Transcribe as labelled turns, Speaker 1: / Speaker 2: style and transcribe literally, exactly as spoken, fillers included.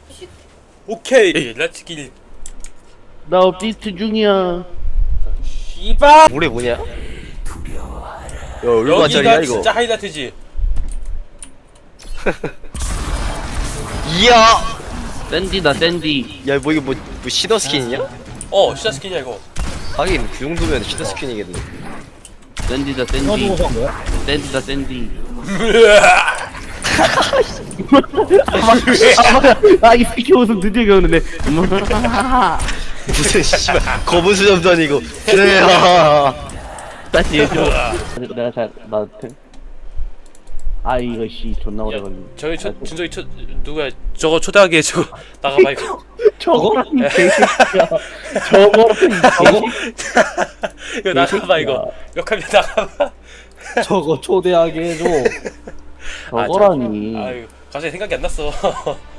Speaker 1: 오케이 라치길.
Speaker 2: 나 업데이트 중이야.
Speaker 1: 씨발.
Speaker 3: 올해 뭐냐? 야 얼마짜리야
Speaker 1: 여기가
Speaker 3: 이거?
Speaker 1: 진짜 하이라이트지.
Speaker 3: 이야!
Speaker 2: 샌디다 샌디.
Speaker 3: 야 뭐 이거 뭐, 뭐 시더 스킨이냐?
Speaker 1: 어 시자 스킨이야 이거.
Speaker 3: 하긴 그 정도면 시더 스킨이겠네.
Speaker 2: 샌디다 샌디. 샌디다 샌디. 아이 새끼 웃음 드디어 겨우는데.
Speaker 3: 무슨 씨발 검은 수염도 아니고. 그래.
Speaker 2: 다시 해줘. 내가 잘 나. 아 이거 씨 존나 오래 걸리네.
Speaker 1: 저기 저 준석이 초 누구야? 저거 초대하게 저거 나가봐 이거.
Speaker 2: 저거라니 개새끼야. 저거라니
Speaker 1: 저거 이거 나가봐 이거. 역하면 나가봐.
Speaker 4: 저거 초대하게 해줘.
Speaker 2: 저거라니.
Speaker 1: 아유 갑자기 생각이 안 났어.